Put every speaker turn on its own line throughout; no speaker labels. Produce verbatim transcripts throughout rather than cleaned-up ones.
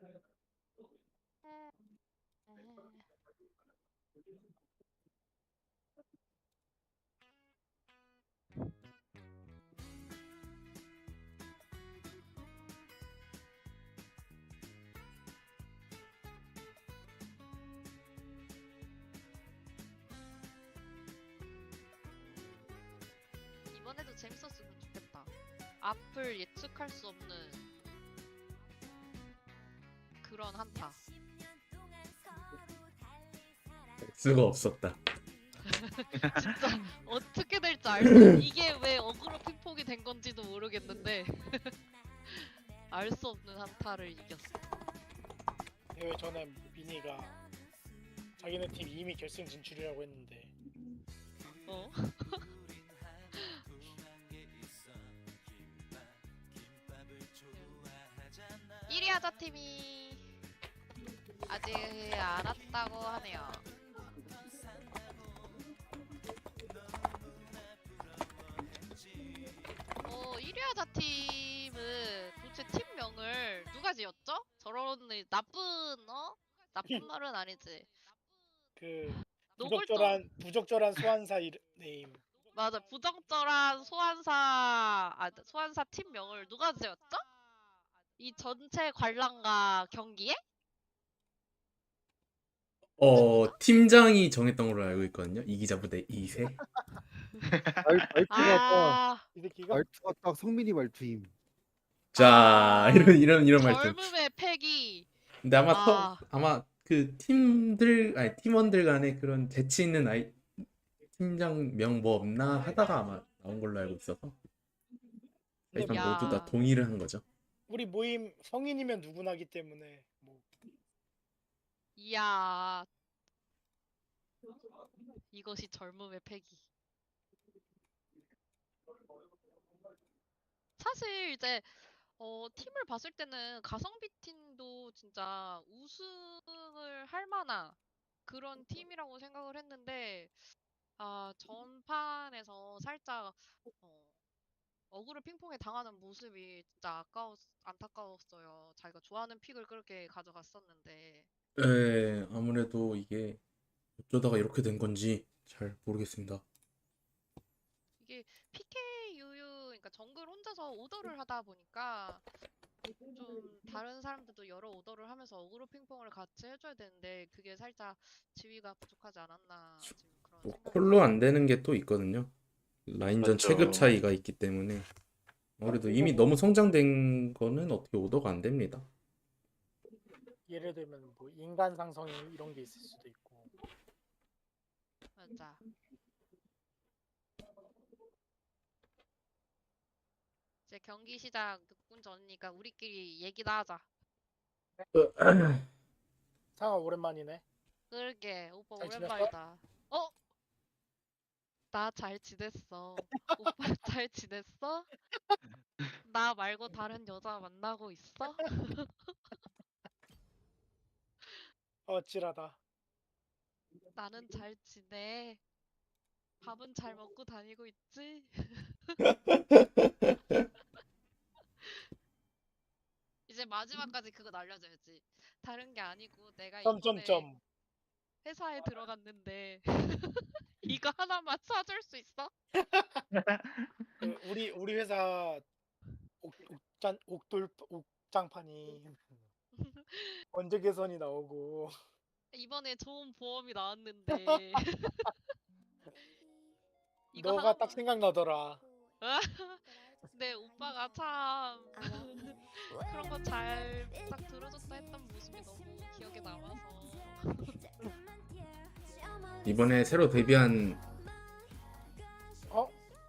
이번에도 재밌었으면 좋겠다. 앞을 예측할 수 없는 그런 한타.
수가 없었다.
진짜 어떻게 될지 알 수, 이게 왜 어그로 핑퐁이 된 건지도 모르겠는데 알 수 없는 한타를 이겼어.
대회 전에 미니가 자기네 팀 이미 결승 진출이라고 했는데
어? 일 위 하자 팀이 아직 안 왔다고 하네요. 어, 일 위 하자 팀은 도대체 팀명을 누가 지었죠? 저런 나쁜 어? 나쁜 말은 아니지.
그
노골적.
부적절한 부적절한 소환사 이름 네임.
맞아, 부적절한 소환사 아 소환사 팀명을 누가 지었죠? 이 전체 관람가 경기에?
어 팀장이 정했던 걸로 알고 있거든요. 이기자 부대 이 세.
말, 말투가 딱
아,
이 새끼가
말투가 딱 성민이 말투임.
자
아,
이런 이런 이런 말씀.
젊음의 패기.
근데 아마
아.
터, 아마 그 팀들 아니 팀원들 간에 그런 재치 있는 아이 팀장명 뭐 없나 하다가 아마 나온 걸로 알고 있어서
근데
일단
야.
모두 다 동의를 한 거죠.
우리 모임 성인이면 누구나기 때문에 뭐
이야, 이것이 젊음의 패기. 사실 이제 어, 팀을 봤을 때는 가성비 팀도 진짜 우승을 할 만한 그런 팀이라고 생각을 했는데, 아, 전판에서 살짝 어, 어그로 핑퐁에 당하는 모습이 진짜 아까웠, 안타까웠어요. 자기가 좋아하는 픽을 그렇게 가져갔었는데.
네, 아무래도 이게 어쩌다가 이렇게 된 건지 잘 모르겠습니다.
이게 피케이유유, 그러니까 정글 혼자서 오더를 하다 보니까 좀 다른 사람들도 여러 오더를 하면서 어그로 핑퐁을 같이 해줘야 되는데 그게 살짝 지위가 부족하지 않았나 지금 그런
뭐
생각이
콜로 안
들어요.
되는 게 또 있거든요. 라인전
맞죠.
체급 차이가 있기 때문에 아무래도 이미 너무 성장된 거는 어떻게 오더가 안 됩니다.
예를 들면 뭐 인간 상성이 이런 게 있을 수도 있고
맞아. 이제 경기 시작 육 분 전이니까 우리끼리 얘기나 하자.
상아 오랜만이네.
그러게 오빠
잘 지냈어?
오랜만이다. 어? 나 잘 지냈어. 오빠 잘 지냈어? 나 말고 다른 여자 만나고 있어?
어찌라다.
나는 잘 지내. 밥은 잘 먹고 다니고 있지? 이제 마지막까지 그거 날려줘야지. 다른 게 아니고 내가 이번에
점점점.
회사에 들어갔는데 이거 하나만 사줄 수 있어?
그 우리 우리 회사 옥, 옥잔 옥돌 옥장판이 언제 개선이 나오고
이번에 좋은 보험이 나왔는데 이거
너가
하나만.
딱 생각나더라.
네, 오빠가 참 그런 거 잘 딱 들어줬다 했던 모습이 너무 기억에 남아서.
이번에 새로 데뷔한
어?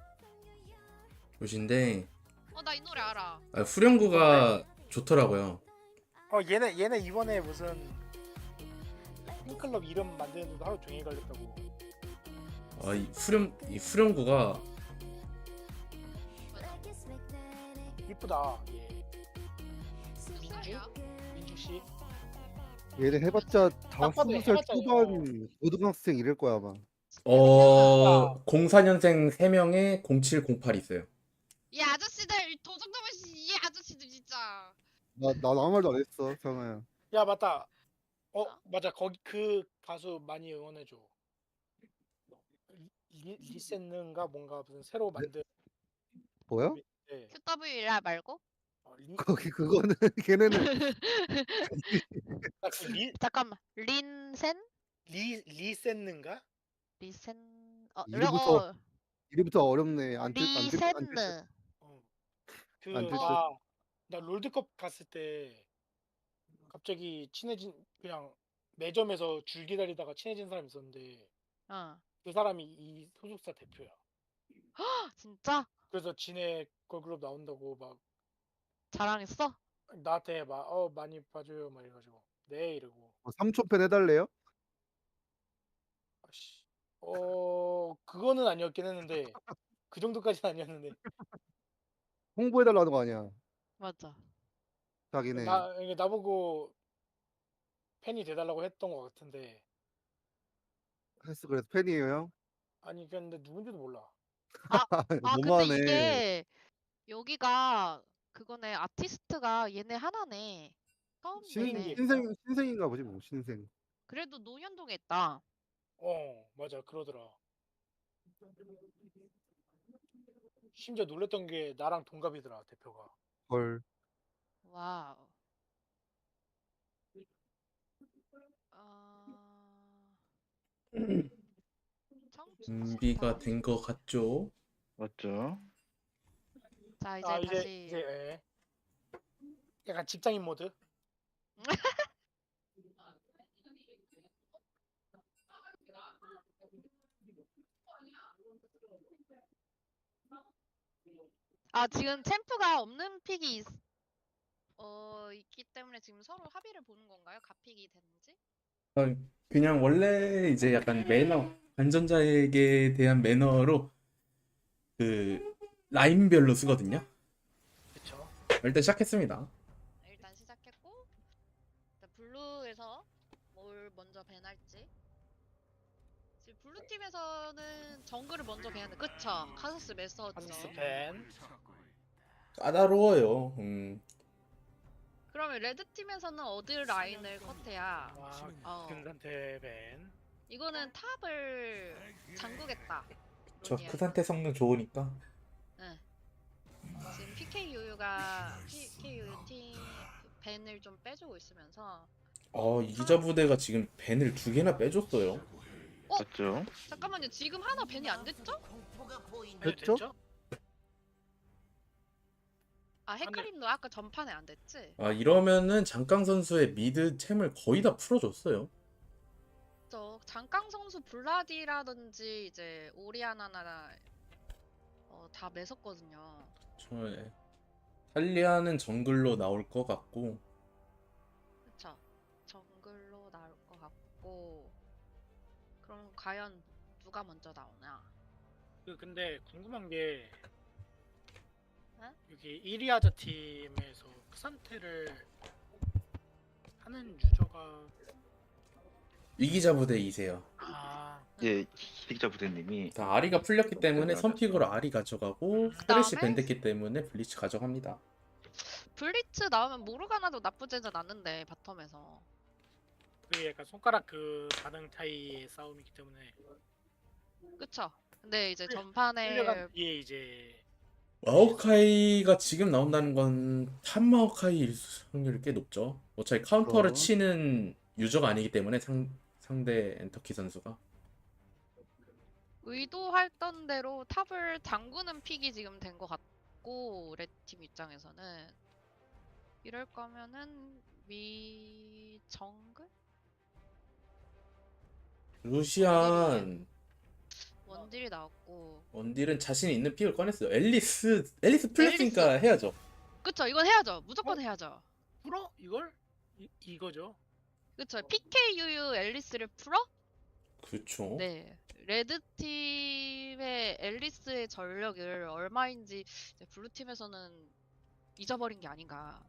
곳인데
어, 나 이 노래 알아.
아, 후렴구가 좋더라고요.
어 얘네 얘네 이번에 무슨 팬클럽 이름 만드는데도 하루 종일 걸렸다고.
아, 이 후렴 이 후렴구가
이쁘다. 얘.
무슨
민주?
소리야?
민주 씨.
얘네 해봤자 다
딱 봐도
스무 살
해봤자
초반 고등학생 이럴 거야 아마.
어 공사 년생 세 명에 공칠 공팔 있어요.
이 아저씨들 도둑놈의 씨, 이 아저씨들 진짜.
나, 나 아무 말도 안 했어, 상아야.
야 맞다. 어 맞아 거기 그 가수 많이 응원해줘. 리, 리센는가 뭔가 무슨 새로
네?
만든
뭐야?
그룹인데
큐더블유라 말고?
어, 리,
거기 그거는 걔네는
딱그 리,
잠깐만. 린센?
리, 리센는가?
리센 어,
이름부터
어
이름부터 어렵네. 안 들, 안 들, 안 들,
리센느.
어.
안
그
들
어,
듯.
나 나 롤드컵 갔을 때 갑자기 친해진 그냥 매점에서 줄 기다리다가 친해진 사람이 있었는데
어.
그 사람이 이 소속사 대표야.
진짜?
그래서 지네 걸그룹 나온다고 막
자랑했어?
나한테 막 어 많이 봐줘요 막 이래가지고 네 이러고
뭐 삼촌 팬 해달래요?
아씨 어 그거는 아니었긴 했는데 그 정도까지는 아니었는데
홍보해달라는 거 아니야,
맞아.
자기네.
나 이게 나보고 팬이 돼달라고 했던 것 같은데
했어. 그래서 팬이에요, 형?
아니 근데 누군지도 몰라.
아, 아, 근데
너무하네.
이게 여기가 그거네. 아티스트가 얘네 하나네. 처음
신,
생긴 게
뵙네.
있어?
신생, 신생인가 보지, 뭐, 신생.
그래도 노현동에 있다.
어 맞아 그러더라. 심지어 놀랬던 게 나랑 동갑이더라 대표가.
헐.
와우. 어...
준비가
청춘스타.
된 것 같죠?
맞죠?
자, 이제
아 이제
다시
이제 예. 약간 직장인 모드.
아, 지금 챔프가 없는 픽이 있... 어, 있기 때문에 지금 서로 합의를 보는 건가요? 가픽이 됐는지?
어, 그냥 원래 이제 약간 매너, 관전자에게 대한 매너로 그 라인별로 쓰거든요.
그쵸?
일단 시작했습니다.
일단 시작했고, 일단 블루에서 뭘 먼저 밴할지. 지금 블루 팀에서는 정글을 먼저 밴하는데, 그쵸? 카서스 메서죠.
카스스 팬.
까다로워요. 음,
그러면 레드 팀에서는 어디 라인을 컷해야?
와
어,
금산태 팬.
이거는 탑을 잠그겠다.
저
론이야.
크산테 성능 좋으니까.
응. 지금 피케이유유가 피케이유유 팀 밴을 좀 빼주고 있으면서
어, 이자 부대가 지금 밴을 두 개나 빼줬어요.
어?
맞죠?
잠깐만요. 지금 하나 밴이 안 됐죠?
네,
됐죠?
됐죠?
아, 헤카림도 아까 전판에 안 됐지?
아, 이러면은 장강 선수의 미드 챔을 거의 다 풀어줬어요.
저 장강 선수 블라디라든지 이제 오리아나나 어, 다 매섭거든요.
저 예. 탈리아는 정글로 나올 것 같고,
그쵸? 정글로 나올 것 같고 그럼 과연 누가 먼저 나오나?
그 근데 궁금한 게
응?
여기 이리아자 팀에서 크산테를 하는 유저가
위기자 부대이세요.
아
예, 기자 부대님이
자, 아리가 풀렸기 때문에 선픽으로 아리 가져가고, 프레쉬
그다음에?
밴됐기 때문에 블리츠 가져갑니다.
블리츠 나오면 모르가나도 나쁘지는 않는데 바텀에서
그게 약간 손가락 그 반응 차이의 싸움이기 때문에
그쵸? 근데 이제
끌-
전판에
끌려간 뒤에 이제
마오카이가 지금 나온다는 건 탑 마오카이일 확률이 꽤 높죠. 어차피 카운터를
그럼.
치는 유저가 아니기 때문에 상, 상대 엔터키 선수가.
의도했던 대로 탑을 잠그는 픽이 지금 된 것 같고 레드팀 입장에서는 이럴 거면은 미 정글?
루시안
원딜이 나왔고
원딜은 자신 있는 픽을 꺼냈어요. 앨리스 앨리스 풀렸으니까 해야죠.
그쵸? 이건 해야죠. 무조건
어?
해야죠.
풀어 이걸 이, 이거죠.
그쵸? 피케이유유 앨리스를 풀어?
그렇죠.
네. 레드팀의 앨리스의 전력을 얼마인지 이제 블루팀에서는 잊어버린 게 아닌가.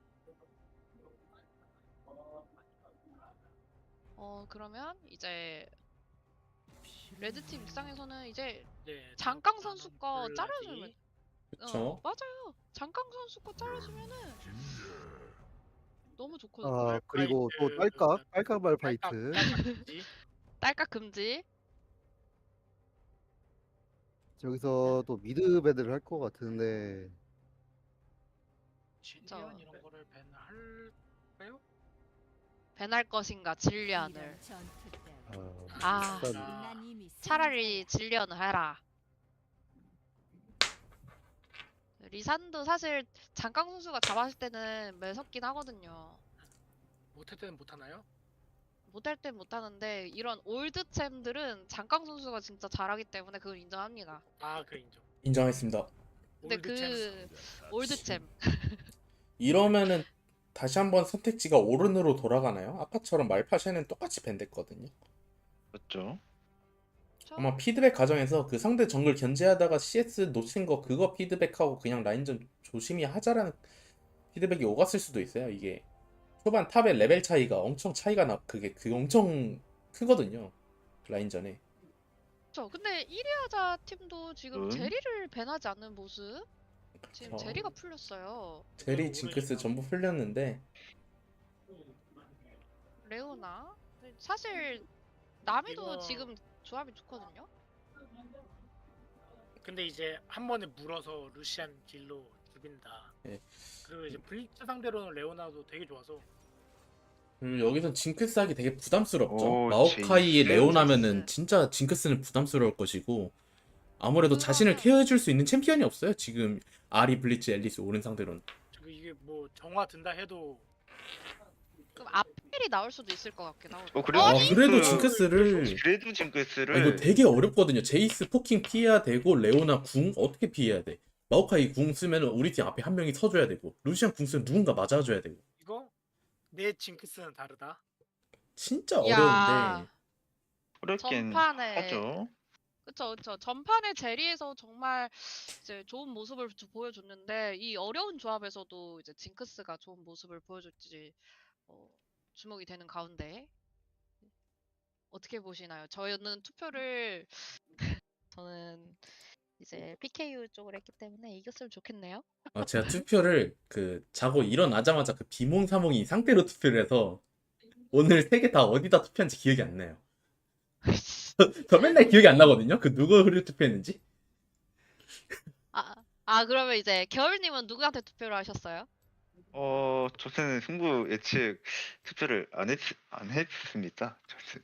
어, 그러면 이제 레드팀 입장에서는 이제
네,
장강 선수 거
블라디.
잘라주면
그렇죠.
어, 맞아요. 장강 선수 거 잘라주면은 너무 좋거든요.
아 그리고 또
말파이트,
딸깍 딸깍
딸깍,
말파이트.
딸깍이지.
딸깍 금지.
여기서 또 미드 배드를 할 것 같은데
질리안 이런 거를 밴할까요?
밴할 것인가 진리안을.
아,
아
일단
아,
차라리 진리안을 해라. 리산도 사실 장강 선수가 잡았을 때는 매섭긴 하거든요.
못할 때는 못 하나요?
못할 땐 못하는데 이런 올드 챔들은 장강 선수가 진짜 잘하기 때문에 그걸 인정합니다.
아, 그 인정.
인정했습니다.
근데
올드 챔.
그 올드 챔
이러면은 다시 한번 선택지가 오른으로 돌아가나요? 아까처럼 말파샤는 똑같이 밴됐거든요.
맞죠?
아마 피드백 과정에서 그 상대 정글 견제하다가 씨에스 놓친 거 그거 피드백하고 그냥 라인전 조심히 하자라는 피드백이 오갔을 수도 있어요. 이게 초반 탑의 레벨 차이가 엄청 차이가 나 그게 그 엄청 크거든요. 라인전에.
그렇죠. 근데 이리아자 팀도 지금
음.
제리를 밴하지 않는 모습. 지금
그쵸.
제리가 풀렸어요.
제리 징크스 전부 풀렸는데
레오나 사실 남이도
이거-
지금 조합이 좋거든요.
근데 이제 한 번에 물어서 루시안 딜로 죽인다.
예.
그리고 이제 블리츠 상대로는 레오나도 되게 좋아서
음, 여기선 징크스 하기 되게 부담스럽죠.
오,
마오카이
제이스.
레오나면은
제이스.
진짜 징크스는 부담스러울 것이고 아무래도
그러면-
자신을 케어해줄 수 있는 챔피언이 없어요. 지금 아리, 블리츠, 앨리스 오른 상대로는.
저기 이게 뭐 정화 든다 해도
그럼 아펠이 나올 수도 있을 것 같긴 하거든요.
어, 그래도
아,
징크스-
그래도 징크스를
그래도 징크스를
아, 이거 되게 어렵거든요. 제이스 포킹 피해야 되고 레오나 궁 어떻게 피해야 돼? 마오카이 궁 쓰면 우리 팀 앞에 한 명이 서줘야 되고 루시안 궁 쓰면 누군가 맞아줘야 되고
이거 내 징크스는 다르다.
진짜
야.
어려운데
어렵긴
전판에
하죠.
그쵸 그쵸 전판에 제리에서 정말 이제 좋은 모습을 주- 보여줬는데 이 어려운 조합에서도 이제 징크스가 좋은 모습을 보여줬지 어, 주목이 되는 가운데 어떻게 보시나요? 저는 투표를 저는 이제 피케이유 쪽으로 했기 때문에 이겼으면 좋겠네요.
아, 제가 투표를 그 자고 일어나자마자 그 비몽사몽이 상태로 투표를 해서 오늘 세 개 다 어디다 투표한지 기억이 안 나요. 저 맨날 기억이 안 나거든요. 그 누구를 투표했는지.
아, 아 그러면 이제 겨울님은 누구한테 투표를 하셨어요?
어, 저는 승부 예측 투표를 안 했, 안 했습니다. 저는.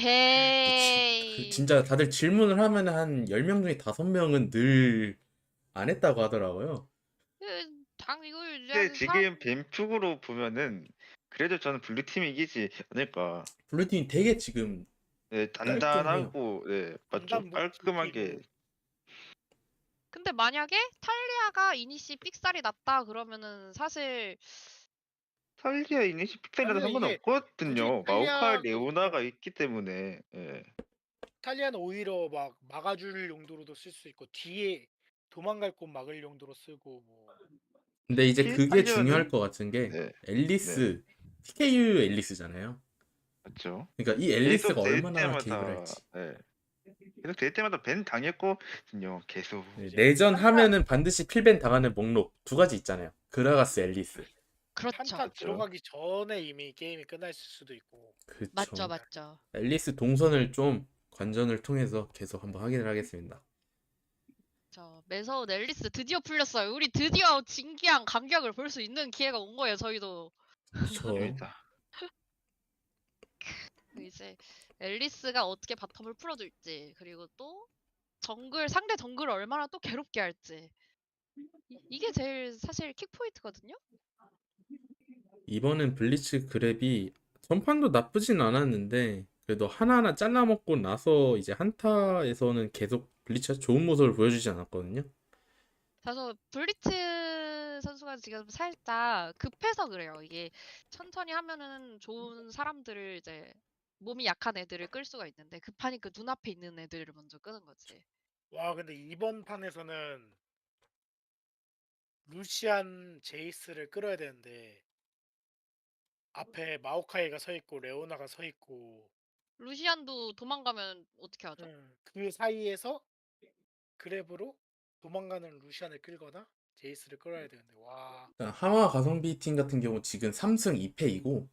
에헤이.
그 진짜 다들 질문을 하면 한 열 명 중에 다섯 명은 늘 안 했다고 하더라고요.
그, 당 이거
근데
이제
지금 뱀픽으로 보면은 그래도 저는 블루팀이 이기지 않을까.
블루팀이 되게 지금
네, 단단하고 네, 맞죠.
단단
깔끔하게.
무기로.
근데 만약에 탈리아가 이니시 삑살이 났다 그러면은 사실
탈리아 이니시 픽셀이라도
아니요, 이게
상관없거든요.
굳이
마오카
탈리아가-
레오나가 있기 때문에. 예.
탈리아는 오히려 막 막아줄 용도로도 쓸 수 있고 뒤에 도망갈 곳 막을 용도로 쓰고 뭐
근데 이제
킬
그게
하려는-
중요할 것 같은 게
네,
앨리스 티케이유 앨리스잖아요.
맞죠.
그러니까 이 앨리스가
계속 될
얼마나 개입을
때마다
할지.
예. 계속 될 때마다 밴 당했거든요. 계속.
네,
이제
내전 하면은 반드시 필밴 당하는 목록 두 가지 있잖아요. 그라가스, 앨리스.
그렇죠.
한타 들어가기 전에 이미 게임이 끝났을 수도 있고
그쵸.
맞죠, 맞죠.
앨리스 동선을 좀 관전을 통해서 계속 한번 확인을 하겠습니다.
저 매서운 앨리스 드디어 풀렸어요. 우리 드디어 진기한 감격을 볼 수 있는 기회가 온 거예요. 저희도
그쵸.
재밌다.
이제 앨리스가 어떻게 바텀을 풀어줄지 그리고 또 정글 상대 정글을 얼마나 또 괴롭게 할지 이, 이게 제일 사실 킥포인트거든요.
이번엔 블리츠 그랩이 전판도 나쁘진 않았는데 그래도 하나하나 잘라먹고 나서 이제 한타에서는 계속 블리츠가 좋은 모습을 보여주지 않았거든요.
그래서 블리츠 선수가 지금 살짝 급해서 그래요. 이게 천천히 하면은 좋은 사람들을 이제 몸이 약한 애들을 끌 수가 있는데 급하니까 눈앞에 있는 애들을 먼저 끄는 거지.
와 근데 이번 판에서는 루시안 제이스를 끌어야 되는데 앞에 마오카이가 서 있고 레오나가 서 있고
루시안도 도망가면 어떻게 하죠?
음, 그 사이에서 그랩으로 도망가는 루시안을 끌거나 제이스를 끌어야 되는데 와.
일단 하마 가성비 팀 같은 경우 지금 삼 승 이 패이고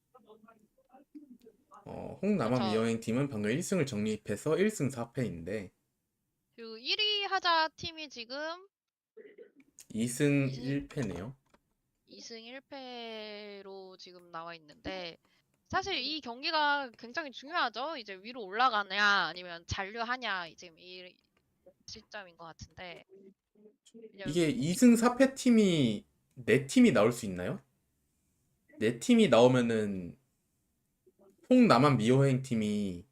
어, 홍남한
그쵸.
미여행 팀은 방금 일 승을 정립해서 일 승 사 패인데
그리고 일 위 하자 팀이 지금
이 승
이 승
일 패네요.
이 승 일 패로 지금 나와 있는데 사실 이 경기가 굉장히 중요하죠. 이제 위로 올라가냐 아니면 잔류하냐 이제 이 시점인 것 같은데 왜냐면
이게 이 승 사 패 팀이 네 팀이 나올 수 있나요? 네 팀이 나오면은 홍남한 미여행 팀이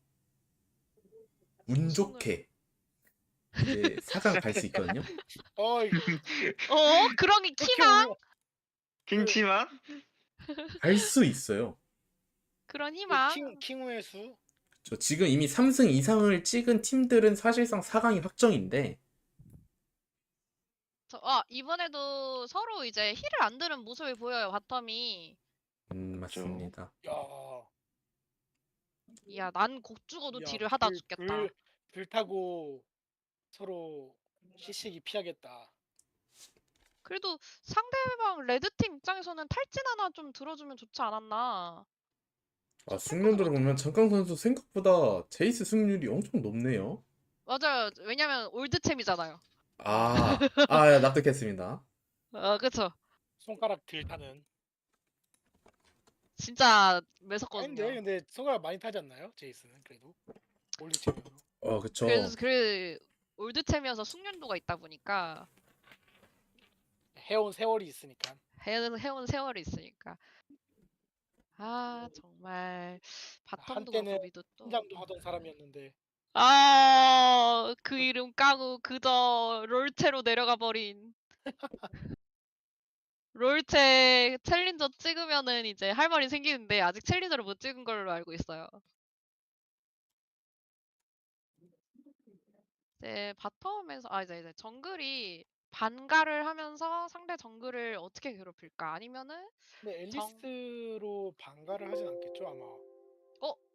운
우승을
좋게 이제 사 강 갈 수 있거든요.
어, 이-
어 그런
이렇게
희망
보면
킹치만
갈 수 있어요.
그런
그
희망
킹 킹우의 수.
저 지금 이미 삼 승 이상을 찍은 팀들은 사실상 사 강이 확정인데
저, 아 이번에도 서로 이제 힐을 안 드는 모습이 보여요 바텀이.
음,
그쵸.
맞습니다.
야,
야 난 곡 죽어도
야,
딜을 하다
불,
죽겠다.
불, 불 타고 서로 시식이 피하겠다.
그래도 상대방 레드팀 입장에서는 탈진 하나 좀 들어주면 좋지 않았나.
아,
저 탱커들
승률들을 보면
어떻게?
장강 선수 생각보다 제이스 승률이 엄청 높네요.
맞아요. 왜냐면 올드챔이잖아요.
아, 아, 납득했습니다.
어 그쵸.
손가락 들 타는.
진짜
아닌데
매섭거든요.
근데 손가락 많이 타지 않나요? 제이스는 그래도 올리체면서.
어, 그쵸.
그래서 그 올드챔이어서 숙련도가 있다 보니까
해온 세월이 있으니까.
해, 해온 세월이 있으니까. 아 정말 바텀도
한때는
그렇고 미드도.
팀장도 하던 사람이었는데
아, 그 이름 까고 그저 롤체로 내려가 버린. 롤체 챌린저 찍으면은 이제 할 말이 생기는데 아직 챌린저를 못 찍은 걸로 알고 있어요. 이제 바텀에서 아 이제 이제 정글이 반갈을 하면서 상대 정글을 어떻게 괴롭힐까? 아니면은
근데
정
앨리스로 반가를 하진 않겠죠 아마.
어